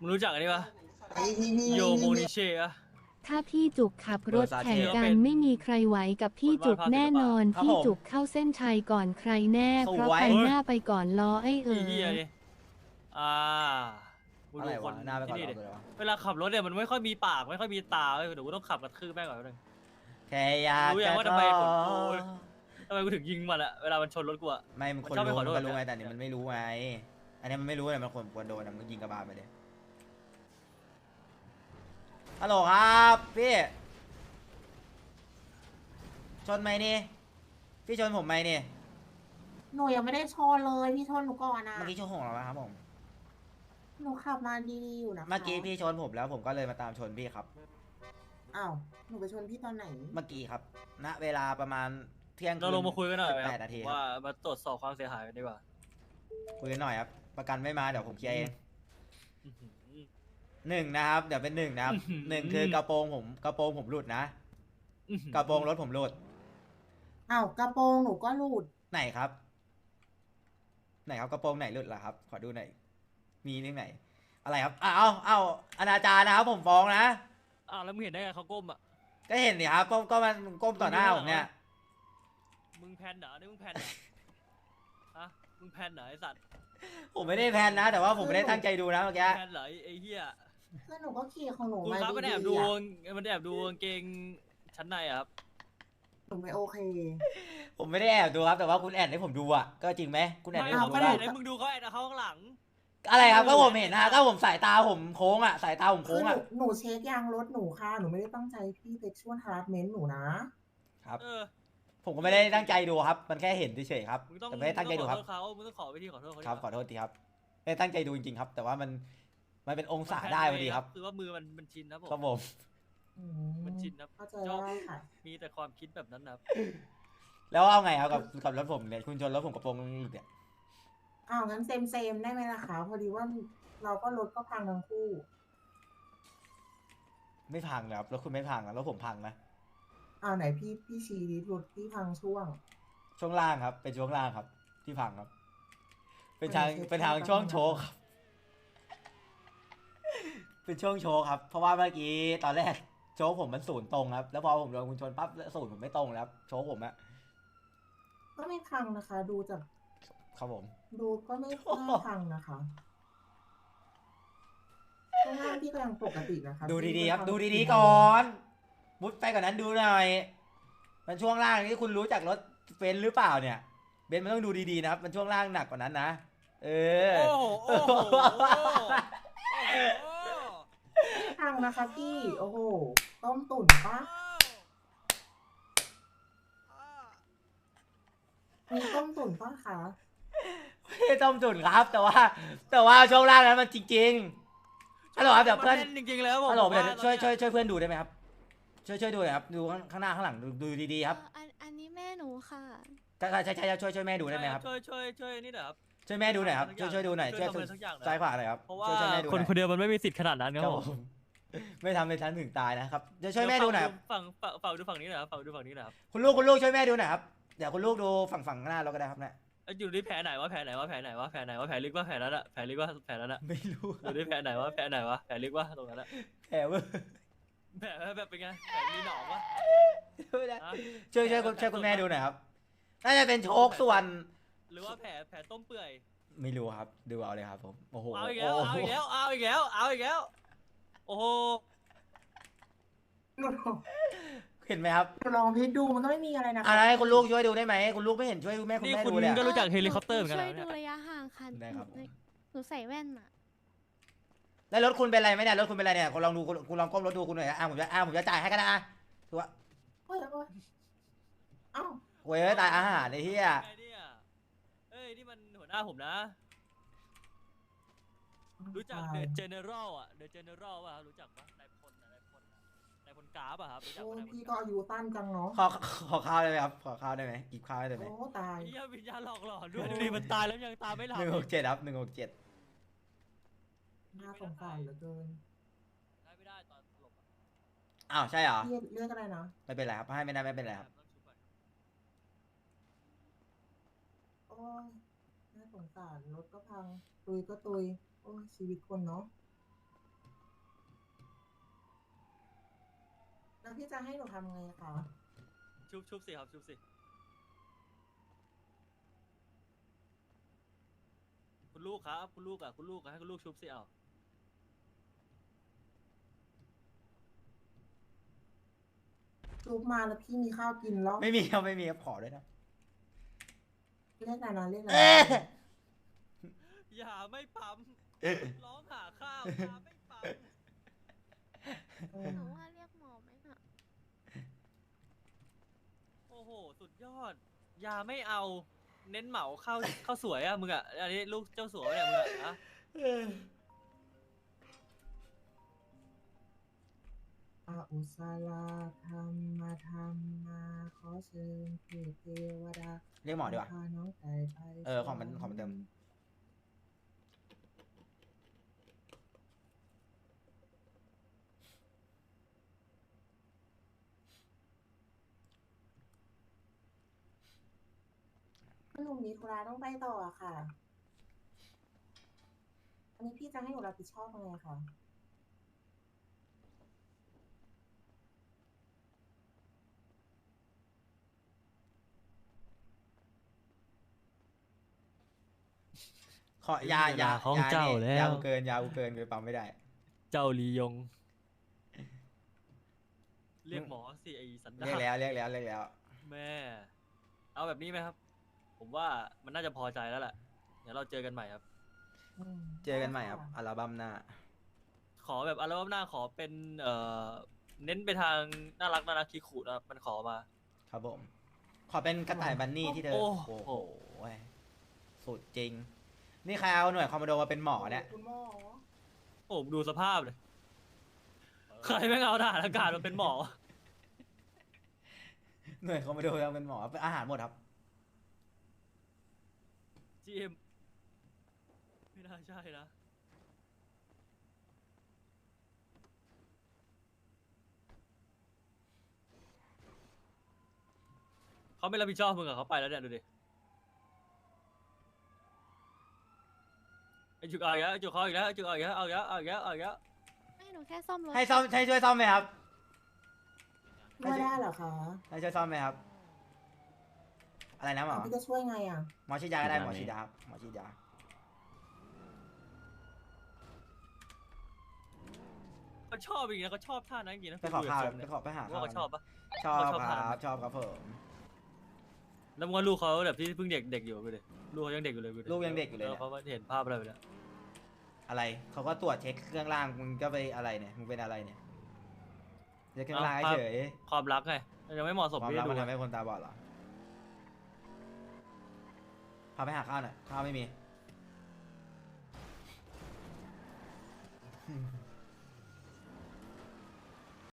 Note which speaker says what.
Speaker 1: มึงรู้จักอันนี้ปะ
Speaker 2: พี่
Speaker 1: โยโมนิเช่อะ
Speaker 3: ถ้าพี่จุกขับรถแข่งกันไม่มีใครไหวกับพี่จุกแน่นอน พี่จุกเข้าเส้นชัยก่อนใครแน่ เพราะคันหน้าไปก่อนล้อไอ้
Speaker 1: อีเหี้ยดิอ่ากู
Speaker 2: อะไร
Speaker 1: ดูค
Speaker 2: วะ
Speaker 1: น
Speaker 2: หน้าไปก่อน
Speaker 1: ที่นี่
Speaker 2: เรา
Speaker 1: ดิ
Speaker 2: เลยวะ
Speaker 1: เวลาขับรถเนี่ยมันไม่ค่อยมีปากไม่ค่อยมีตาเว้ยเดี๋ยวกูต้องขับกระทืบแม่งก่อนนึง
Speaker 2: แค่อยาก
Speaker 1: รู้ยั
Speaker 2: จะ
Speaker 1: งว่าทำไมผมทำไมกูถึงยิงมันอะเวลามันชนรถกูอะ
Speaker 2: ไม่มันคน
Speaker 1: มันชอบไป
Speaker 2: รู้
Speaker 1: ขอโทษ
Speaker 2: มันรู้ไง
Speaker 1: แบบเนี้ย
Speaker 2: แต่นี่มันไม่รู้ไงอันนี้มันไม่รู้เลยมันควรโดนนะมันยิงกระบาลไปเลยฮัลโหลครับพี่ชนไหมนี่พี่ชนผมไหมนี่
Speaker 4: หนูยังไม่ได้ชนเลยพี่ชนหนูก่อนนะ
Speaker 2: เมื่อกี้ชนของเราไหมครับผม
Speaker 4: หนูขับมาดีๆอยู่นะคะ
Speaker 2: เมื่อกี้พี่ชนผมแล้วผมก็เลยมาตามชนพี่ครับ
Speaker 4: อ้าวหนูไปชนพี่ตอนไหน
Speaker 2: เมื่อกี้ครับณเวลาประมาณเที่ยง
Speaker 1: เราลงมาคุยกันหน่อยไหมค
Speaker 2: 8
Speaker 1: รับ
Speaker 2: นาทีครับ
Speaker 1: ว่ามาตรวจสอบความเสียหายกันดีกว่า
Speaker 2: คุยกันหน่อยครับประกันไม่มาเดี๋ยวผมเคลียร์เอง
Speaker 1: อื้อหือ
Speaker 2: หนึ่งนะครับเดี๋ยวเป็นหนึ่งนะครับ
Speaker 1: อื้อหือ
Speaker 2: หนึ่งคือกระโปรงผมหลุดนะ
Speaker 1: อื้อหือก
Speaker 2: ระโปรงรถผมหลุด
Speaker 4: อ้าวกระโปรงหนูก็หลุด
Speaker 2: ไหนครับ ไหนครับกระโปรงไหนหลุดล่ะครับขอดูหน่อยมีที่ไหน อะไรครับเอาอนาจารนะครับผมฟ้องนะ
Speaker 1: อ้าวแล้วมึงเห็นได้ไงเขาก้มอะ
Speaker 2: ก็เห็นสิครับก็มันก้มต่อหน้าผมเนี่ย
Speaker 1: มึงแพนเหรอนี่มึงแพนเหรอฮะมึงแพนเหรอไอสัตว์
Speaker 2: ผมไม่ได้แพลนนะ แต่ว่าผมไม่ได้ตั้งใจดูนะเมื่อกี้
Speaker 1: แพนเหรอไอ้เหี้ย
Speaker 4: คือหนูก็ขี่ของหนู
Speaker 1: คุณ
Speaker 4: มา
Speaker 1: ครับมันแอบ
Speaker 4: ดี
Speaker 1: ดู
Speaker 4: ๆอะ
Speaker 1: มันแอบดูกางเกงชั้นในอะครับ
Speaker 4: หนูไม่โอเค
Speaker 2: ผมไม่ได้แอบดูครับแต่ว่าคุณแอบให้ผมดูอ่ะก็จริงไหมคุณแอบ
Speaker 1: ไม่
Speaker 2: ให้ผ
Speaker 1: เขา
Speaker 2: มดู
Speaker 1: ไม่ได้
Speaker 2: ว่า
Speaker 1: ไหนมึงดูเขาแอบเขาข้างหลัง
Speaker 2: อะไรครับก็ผมเห็นนะก็ผมสายตาผมโค้งอ่ะสายตาผม
Speaker 4: คื
Speaker 2: โค้
Speaker 4: อง หนู
Speaker 2: อ่ะ
Speaker 4: หนูเช็คยางรถหนูค่ะ หนูไม่ได้ตั้งใจพี่เซ็กชวลฮาร์ดเมนต์หนูนะ
Speaker 2: ครับ
Speaker 1: เออ
Speaker 2: ผมก็ไม่ได้ตั้งใจดูครับ มันแค่เห็นเฉยๆครับ
Speaker 1: มึงต้อง
Speaker 2: แต่ไม่ได้ตั้งใจดูครับ
Speaker 1: ขอโทษเขามึงต้องขอวิธีขอโทษเขา
Speaker 2: ครับขอโทษทีครับไม่ได้ตั้งใจดูจริงๆครับ แต่ว่ามันเป็นองศาได้พอดีครับ
Speaker 1: คือว่ามือมันชินนะผม
Speaker 2: ครับผม
Speaker 4: อื
Speaker 1: มันชินนะ
Speaker 4: เข้าใจได้ค่ะ
Speaker 1: มีแต่ความคิดแบบนั้นนะครับ
Speaker 2: แล้วเอาไงครับกับรถผมเนี่ยคุณชนรถผมกระโปรงหลุดเนี่ย
Speaker 4: อ้าวงั้นเซมได้ไหมล่ะคะพอดีว่าเราก็รถก็พังทั้งคู่
Speaker 2: ไม่พังเลยครับรถคุณไม่พังนะรถผมพังนะ
Speaker 4: อ้าวไหนพี่ชี้ดิรถพี่พังช่วง
Speaker 2: ช่วงล่างครับเป็นช่วงล่างครับ ที่พังครับ เป็นทาง
Speaker 4: ไม่ใช่
Speaker 2: เป็นทาง
Speaker 4: ช่
Speaker 2: ช่ว
Speaker 4: ว
Speaker 2: ง
Speaker 4: ง
Speaker 2: โชว์ครับ เป็นช่วงโชว์ครับ เพราะว่าเมื่อกี้ตอนแรกโชว์ผมมันศูนย์ตรงครับ แล้วพอผมโดนคุณชนปั๊บศูนย์ผมไม่ตรงแล้วครับโชว์ผมอะ
Speaker 4: ก็ไม่พังนะคะ ดูจาก
Speaker 2: ครับผม
Speaker 4: ดูก็ไม่น่าพังนะคะข้างล่างพี่ก็ยังปกตินะคะ
Speaker 2: ดูดีๆครับ
Speaker 4: พี่
Speaker 2: ดู
Speaker 4: ไม่
Speaker 2: ดี
Speaker 4: ทำ
Speaker 2: ๆก่อนมุดไปกว่อนนั้นดูหน่อย มันช่วงล่างนี่คุณรู้จักรถเบนซ์หรือเปล่าเนี่ย เบนซ์มันต้องดูดีๆนะครับ มันช่วงล่างหนักกว่านั้นนะ เออ
Speaker 1: โอ้โหโอ้โหโอ้โห
Speaker 4: ไม่พังนะคะพี่ โอ้โห ต้มตุ๋นปะมีต้มตุ๋นปะคะ
Speaker 2: ไม่ได้ต้มตุ๋นครับ แต่ว่าช่วงล่างนั้นมันจริงๆฮัลโหลครับเดี๋ยวเพื่อน
Speaker 1: จริงๆแล้วผม
Speaker 2: ฮัลโหลเดี๋ยว
Speaker 1: ว่า
Speaker 2: ช่วยเพื่อนดูได้ไหมครับ ช่วยดูหน่อยครับ ดูข้างหน้าข้างหลังดูดีๆครับ
Speaker 5: อันนี้แม่หนูค่ะ
Speaker 2: ใช่ช่วยแม่ดูได้ไหมครับ
Speaker 1: ช่วยนี่หน่อยครับ
Speaker 2: ช่วยแม่ดูหน่อยครับ ช่วยดูหน่อย
Speaker 1: ช่วยทำอะไรสักอย่างหน่อย
Speaker 2: ซ้ายขวาหน่อยครับ
Speaker 1: เพราะว่า
Speaker 2: ช่วยแม่ดูห
Speaker 1: คน
Speaker 2: น่อย
Speaker 1: คนเดียวมันไม่มีสิทธิ์ขนาดนั้นค
Speaker 2: ค
Speaker 1: รั
Speaker 2: รั
Speaker 1: บบ ผ
Speaker 2: ผม มไม่ทำให้ฉันถึงตายนะครับจะช่วยแม่ดูหน่อยครับ
Speaker 1: ฝั่งดูฝั่งนี้หน่อยครับฝั่งดูฝั่งนี้หน่อยครับ
Speaker 2: คุณลูกช่วยแม่ดูหน่อยครับเดี๋ยวคุณลูกดูฝั่งหน้าเราก็ได้ครับเนี่ย
Speaker 1: อยู่ที่แผลไหนวะแผลไหนวะแผลไหนวะแผลไหนวะแผลลึกวะแผลนั้นอะแผลลึกวะแผลนั้นอะ
Speaker 2: ไม่รู้
Speaker 1: อยู่ที่แผลไหนวะแผลไหนวะแผลลึกวะตรงนั้นอะ
Speaker 2: แผลเวอร์
Speaker 1: แผลแบบเป็นไงแผลมีหนองวะ
Speaker 2: ไม่ได้
Speaker 1: ฮะ
Speaker 2: ช่วยคุณแม่ดูหน่อยครับน่าจะเป็นโชคส่วน
Speaker 1: หรือว่าแผลต้มเปื่อย
Speaker 2: ไม่รู้ครับดูเอาเลยครับผมโอ้โห
Speaker 1: เอาอีกแล้วเอาอีกแล้วเอาอีกแล้วเอาอีกแล้วโอ้โห
Speaker 4: หนู
Speaker 2: เห็นไหมครับ
Speaker 4: ลองพิจดูมันก็ไม่มีอะไรนะคะ
Speaker 2: อะไรให้คุณลูกช่วยดูได้ไหมคุณลูกไม่เห็นช่วยคุณแม่
Speaker 1: นี่
Speaker 2: ดู
Speaker 1: คุณ
Speaker 2: เลยอะ
Speaker 1: ก็รู้จักเฮลิคอปเตอร์เหมือนกัน
Speaker 5: ช่วย
Speaker 1: นะ
Speaker 5: ดู
Speaker 1: เนี่ย
Speaker 5: ระยะห่างค่ะ
Speaker 2: ได้ครับ
Speaker 5: หนูใส่แว่นอะ
Speaker 2: แล้วรถคุณเป็นไรไหมเนี่ยรถคุณเป็นไรเนี่ยคุณลองดูคุณลองก้มรถดูคุณหน่อยนะผมจะจ่ายให้ก็ได้ถือว่า
Speaker 4: โอ้ยโอ้ยเอ้า
Speaker 2: โว้ยตายอาหารไอ้เหี้ย
Speaker 1: ไงเนี่ยเอ้ยนี่มันหัวหน้าผมนะ รู้จักเดอะเจเนอรัลอ่ะเดอะเจเนอรัลป่ะครับรู้จักปะนายพลนายพลกราฟอ่ะครับรู้จัก
Speaker 4: โอ้
Speaker 1: ปะ
Speaker 4: ย
Speaker 1: นายพล
Speaker 4: พี่
Speaker 1: ก
Speaker 4: ก็
Speaker 1: ราฟ
Speaker 4: อายุสั้นจังเนาะ
Speaker 2: ขอข้าวได้ไหมครับขอข้าวได้ไหมกินข้าวได้ไหม
Speaker 4: โอ้ตาย
Speaker 1: เฮียวิญญาณหลอกหลอนด้วยดูดิมันตายแล้วยังตามไม่หลับ
Speaker 2: 167ครับ167
Speaker 4: น่าสงสารเหลือเกิน
Speaker 1: ได้ไม่ได้ตอนสลบอะ
Speaker 2: อ้าวใช่เหรอ
Speaker 4: พี่เรียกอะไรนะ
Speaker 2: ไม่เป็นไรครับให้ไม่ได้ไม่เป็นไรครับ
Speaker 1: ต้องชุบก่อน
Speaker 4: โอ้ยน่าสงสารรถก็พังตุยก็ตุยโอ้ยชีวิตคนเนาะแล้วพี่จะให้หนูทำไงคะ
Speaker 1: ชุบสิครับชุบสิคุณลูกครับคุณลูกให้คุณลูกชุบสิเอา
Speaker 4: รูปมาแล้วพี่มีข้าวกินแล้ว
Speaker 2: ไม่มีครับไม่มีครับขอด้วยนะ
Speaker 4: เรียกนานๆเรียกนา
Speaker 2: เอ๊ะ
Speaker 4: น
Speaker 1: อย่าไม่ปั๊มร้องหาข้าวอย่าไม่ปั๊ม
Speaker 5: หนูว่าเรียกหมอไหมน่ะ
Speaker 1: โอ้โหสุดยอดอย่าไม่เอาเน้นเหมาข้าวสวยอะมึงอะอันนี้ลูกเจ้าสัวเนี่ยมึงอะนะ
Speaker 4: อาอุสาลาธรรมาขอเชิญเทพเทวดา
Speaker 2: เรียกหมอดีกว่า
Speaker 4: พาน้องไก่ไป
Speaker 2: ของมันเติม
Speaker 4: หนูมีธุระต้องไปต่ออะค่ะ อันนี้พี่จะให้หนูรับผิดชอบยังไงคะ
Speaker 2: ขอยา
Speaker 1: ของเจ้าแล้ว
Speaker 2: ยากูเกินกูปั๊มไม่ได้
Speaker 1: เจ้าลียง เรียกหมอสิไอสันดา
Speaker 2: เรียก
Speaker 1: น
Speaker 2: แล้ว
Speaker 1: แม่ เอาแบบนี้ไหมครับ ผมว่ามันน่าจะพอใจแล้วแหละเดี๋ยวเราเจอกันใหม่ครับ
Speaker 2: เจอกันใหม่ครับอัลบั้มหน้า
Speaker 1: ขอแบบอัลบั้มหน้าขอเป็นเน้นไปทางน่ารักคิคุนะครับมันขอมา
Speaker 2: ครับผม ขอเป็นกระต่ายบันนี่ที่เธอ
Speaker 1: โอ้
Speaker 2: โอ้
Speaker 1: โห
Speaker 2: โหสุดจริง นี่ใครเอาหน่วยคอมมานโดมาเป็นหมอเนี่ย
Speaker 4: คุณหมอ
Speaker 1: โอ้ดูสภาพเลยใครไม่งเอาทหารอากาศมาเป็นหมอ
Speaker 2: หน่วยคอมมานโดมาเป็นหมอเป็นอาหารหมดครับ
Speaker 1: GM ไม่น่าใช่นะเขาไม่รับผิดชอบมึงอะเขาไปแล้วเนี่ยดูดิไอจุกเอาอีกแล้วไอจุกเขาอีกแล้วไอจุกเอาอีกแล้วเอาอีกแล้ว
Speaker 5: ให้หนูแค่ซ่อมรถ
Speaker 2: ให้ช่วยซ่อมไหมครับ
Speaker 4: ช่วยได้เหรอคะ
Speaker 2: ให้ช่วยซ่อมไหมครับ อะไรนะหมอ
Speaker 4: พี่จะช่วยไงอ่ะ
Speaker 2: หมอฉีดยาก็ได้หมอฉีดยาครับหมอฉีดยา
Speaker 1: เขาชอบอีกนะเขาชอบท่านั้นจริงๆนะ
Speaker 2: ไปขอข้าว
Speaker 1: คุยกับ
Speaker 2: ไปหา
Speaker 1: ว่า
Speaker 2: ข้าว
Speaker 1: เขาชอบปะ
Speaker 2: ชอบ
Speaker 1: ชอบ
Speaker 2: ค
Speaker 1: ทาน
Speaker 2: รับชอบครับผม
Speaker 1: แล้วมึงว่าลูกเขาแบบที่เพิ่งเด็กอยู่ไปเลยลูกเขายังเด็กอยู่เลย
Speaker 2: ลูกยังเด็กอยู่เลย
Speaker 1: แล้ว
Speaker 2: เนี่ย
Speaker 1: เขาเห็นภาพอะไรไปแล้ว
Speaker 2: อะไรเขาก็ตรวจเช็คเครื่องล่างมึงก็ไปอะไรเนี่ยมึงเป็นอะไรเนี่ยเช็คเครื่องล่างเฉย
Speaker 1: ความรักไงยังไม่เหมาะสม
Speaker 2: ความ
Speaker 1: ที่
Speaker 2: รัก
Speaker 1: จะ
Speaker 2: มัน
Speaker 1: ดู
Speaker 2: ทำให้คนตาบอดเหรอพาไปหาข้าวหน่อยข้าวไม่มี